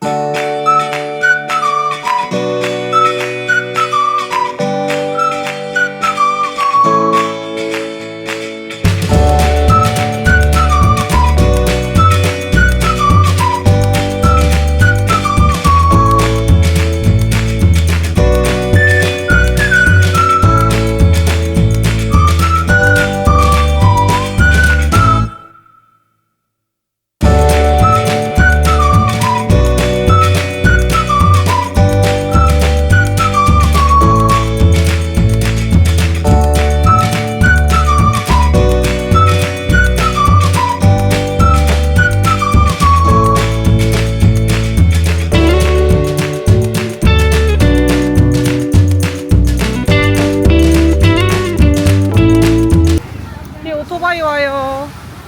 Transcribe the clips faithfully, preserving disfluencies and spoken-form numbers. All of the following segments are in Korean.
오토바이 와요.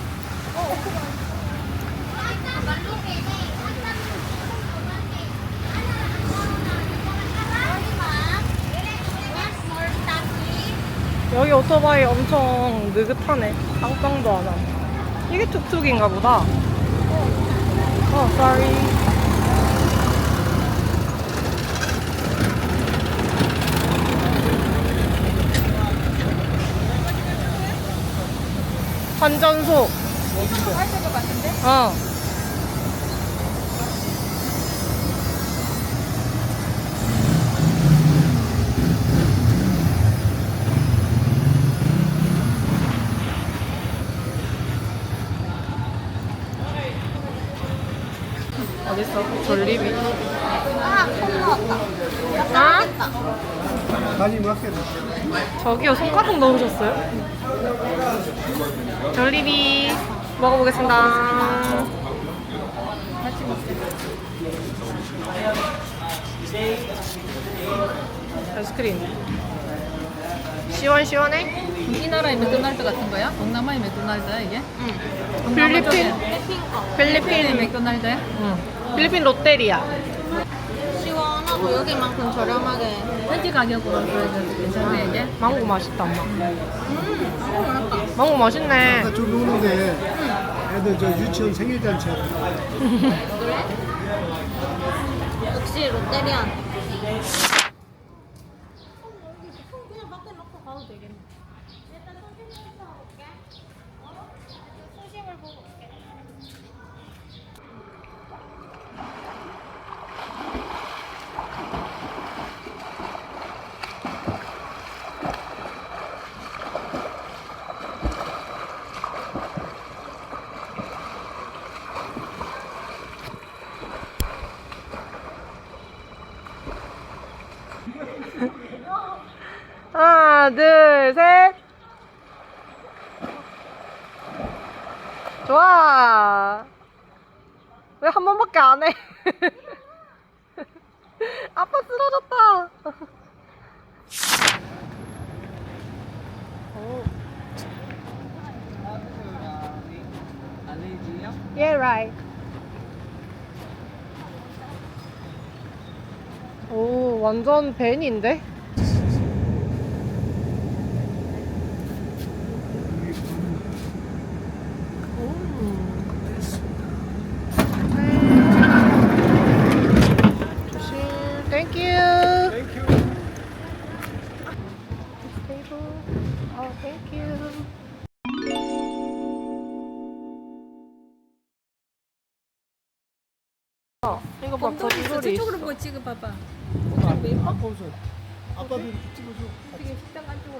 여기 오토바이 엄청 느긋하네. 빵빵도 안 하네. 이게 툭툭인가 보다. 어, sorry. 환전소. 어. 어딨어? 졸리비. 아, 콩 나왔다. 아? 많이 먹겠네. 저기요, 손가락 넣으셨어요? 졸리비 먹어보겠습니다. 같이 먹자. 아이스크림. 시원시원해? 우리나라의 맥도날드 같은 거야? 동남아의 맥도날드야 이게? 응. 필리핀? 필리핀 맥도날드? 응. 필리핀 롯데리아. 시원하고 여기만큼 저렴하게. 현지 가격으로 그래도 괜찮네 이게? 망고 맛있다, 엄마. 음, 망고 맛있네. 아까 좀 오는데 애들 저 유치원 생일잔치 하고. 그래? 역시 롯데리아. 그냥 밖에 놓고 가도 되겠네. 일단 소심을 사올게. 어? 소심을 보고 올게. 하나, 둘, 셋. 좋아. 왜 한 번밖에 안 해? 아빠 쓰러졌다. 오. Yeah, right. 오, 완전 벤인데? 조심. Thank you. 땡큐. Table. Oh, thank you. 어, 이거 봐, 곰돌이 있어. 곰돌이 저쪽으로 있어. 보고 찍어봐봐. 아빠 웃어. 아빠도 이렇게 찍어줘. 어떻게 식당 안쪽으로.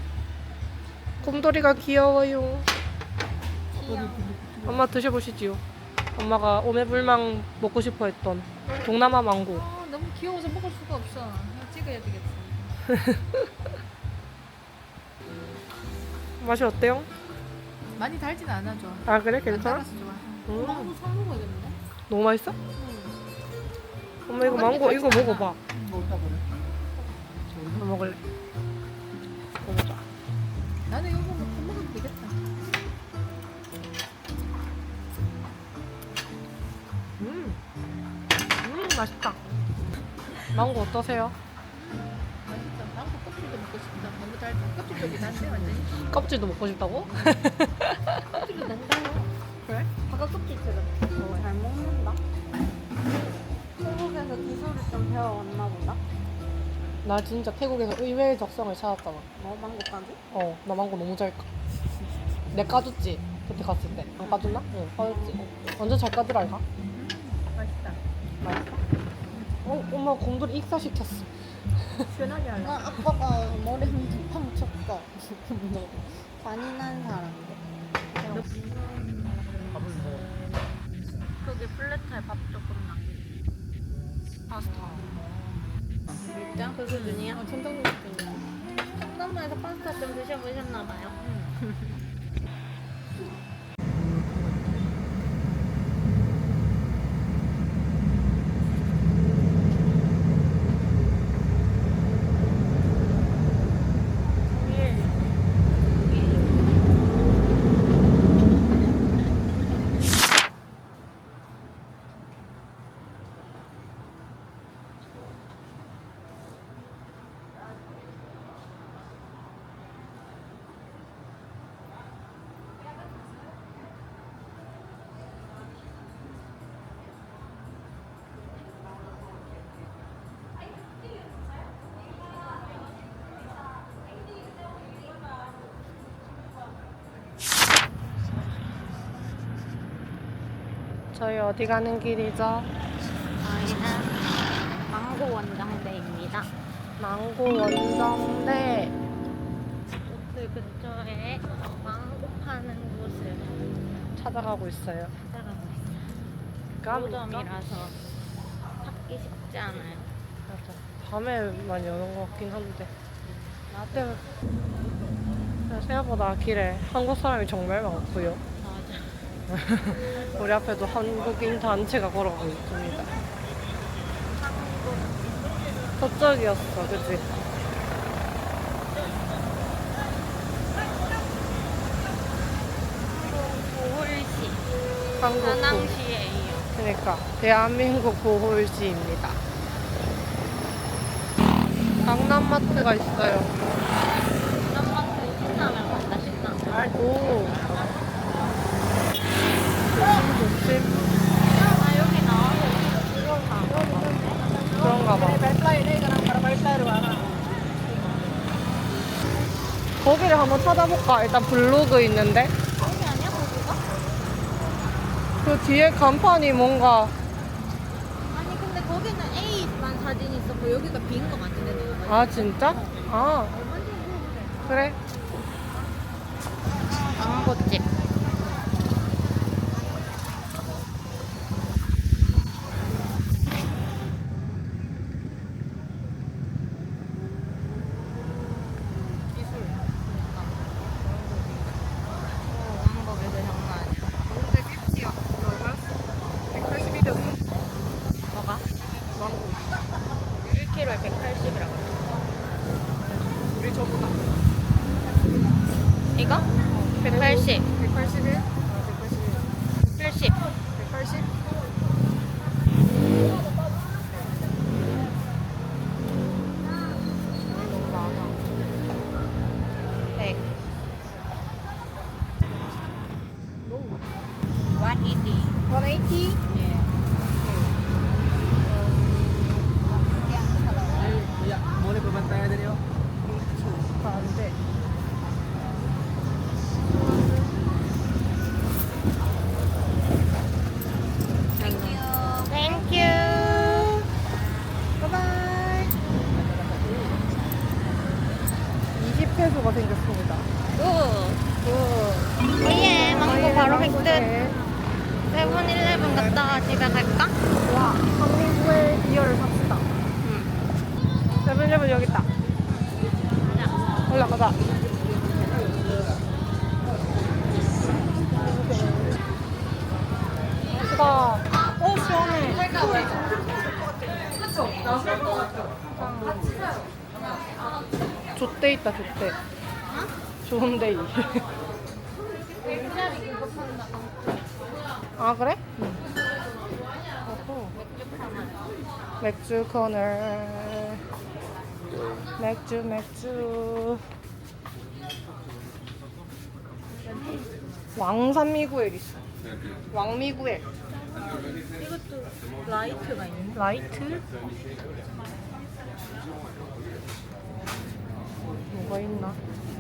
곰돌이가 귀여워요. 아빠도 이렇게 엄마 드셔보시지요. 엄마가 오매불망 먹고 싶어 했던 동남아 망고. 아, 너무 귀여워서 먹을 수가 없어. 이거 찍어야 되겠어. 맛이 어때요? 많이 달진 않아 줘. 아 그래? 안 괜찮아? 달아서 좋아. 음, 망고 사 먹어야겠네. 너무 맛있어? 엄마 이거 망고 이거 먹어봐. 먹다 그래. 엄마 먹을래? 먹어봐. 나는 이거 먹으면 밥 먹으면 되겠다. 음, 음 맛있다. 망고 어떠세요? 맛있다. 망고 껍질도 먹고 싶다. 너무 달다. 껍질 쪽이 난데 완전히. 껍질도 먹고 싶다고? 껍질도 된다요. 그래? 바깥 껍질처럼. 잘 먹는다. 태국에서 기술을 좀 배워왔나 보다. 나 진짜 태국에서 의외의 적성을 찾았잖아. 뭐 망고까지? 어, 나 망고 너무 잘 까. 내 까줬지? 그때 갔을 때. 안 까줬나? 응, 까줬지. 완전 잘 까더랄까? 맛있다. 맛있어? 어, 엄마 곰돌이 익사시켰어. 시원하게 할래. 나 아빠가 머리 한두팡 쳤어. 잔인한 사람인데. 거기 플랫타에 밥 조금 남겨. 파스타. 진짜? 그 수준이야? 아, 천장님 수준이야. 청담동에서 파스타 좀 드셔보셨나봐요. 저희 어디 가는 길이죠? 저희는 망고 원정대입니다. 망고 원정대. 그 근처에 망고 파는 곳을 찾아가고 있어요. 찾아가고 있어요. 까미니까? 노점이라서 찾기 쉽지 않아요. 맞아. 밤에만 여는 것 같긴 한데. 근데 생각보다 길에 한국 사람이 정말 많고요. 맞아. 우리 앞에도 한국인 단체가 걸어가고 있습니다. 저쪽이었어, 그치? 보홀시. 한국 보- 다낭시예요. 그러니까 대한민국 보홀시입니다. 강남마트가 있어요. 남마트 신라면 간다 신라면. 오. 조심 조심. 아 여기 나와서 들어가. 그런가 봐. 거기를 한번 찾아볼까? 일단 블로그 있는데. 여기 아니야 거기가? 그 뒤에 간판이 뭔가 아니 근데 거기는 A만 사진이 있었고 여기가 B인 거 같은데 내가. 아 진짜? 아 그래? 망고집. 망고 배도 장난 아니야. 뭐가? 일 킬로그램에 백팔십이라고. 우리 저보다 이거? 백팔십. 백팔십일? 팔십. 백팔십? 너무 많아. 백. 백팔십. 백팔십? 예. Boleh berbantai tadi oh. 안 돼. 땡큐. 바이바이. 이십 페소가 생겼습니다. 굿. 굿. 오예, 망고 바로 획득. 네. 세븐일레븐 갔다가 집에 갈까? 와, 한민구의 비어를 삽시다. 응. 세븐일레븐 여기 있다. 가자. 올라가자. 수다. 오, 시원해. 좆대 있다, 좆대. 좋은 데이. 일자리 이거 판다. 아, 그래? 응. 어허. 맥주 코너. 맥주, 맥주. 왕산미구엘 있어. 왕미구엘. 이것도 라이트가 있네. 라이트? 뭐가 있나?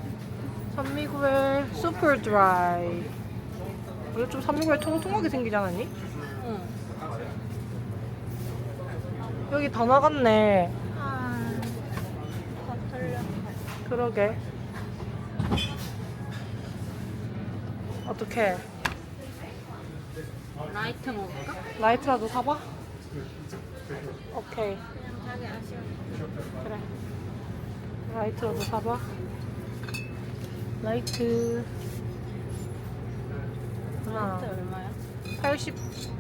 산미구엘 슈퍼 드라이. 이거 좀 산미구엘 통통하게 생기지 않았니? 응. 여기 다 나갔네. 아, 다 털렸네. 그러게. 어떡해. 라이트 먹을까? 라이트라도 사봐? 오케이. 그냥 자기 아쉬워. 그래. 라이트라도 사봐. 라이트. 하나. 라이트 얼마야? 팔십,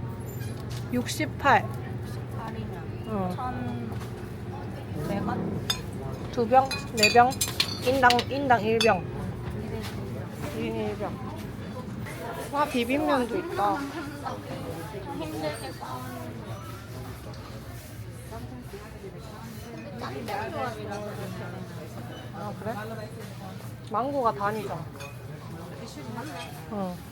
육십팔. 팔이면 응. 천백 원? 두 병, 네 병, 인당, 인당 일 병. 이래 일 인 일 병. 와, 비빔면도 있다. 힘들게 싸우는 근데 짬뽕 조합이라서 그렇게 되는 아, 그래? 망고가 단이잖아. 응.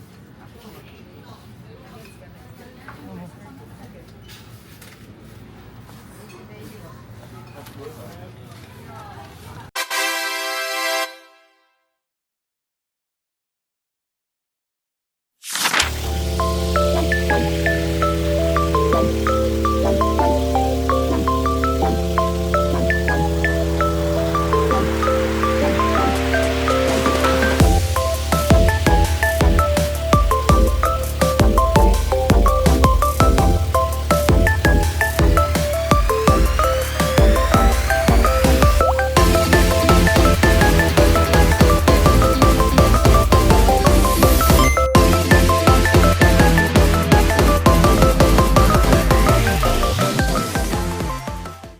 응.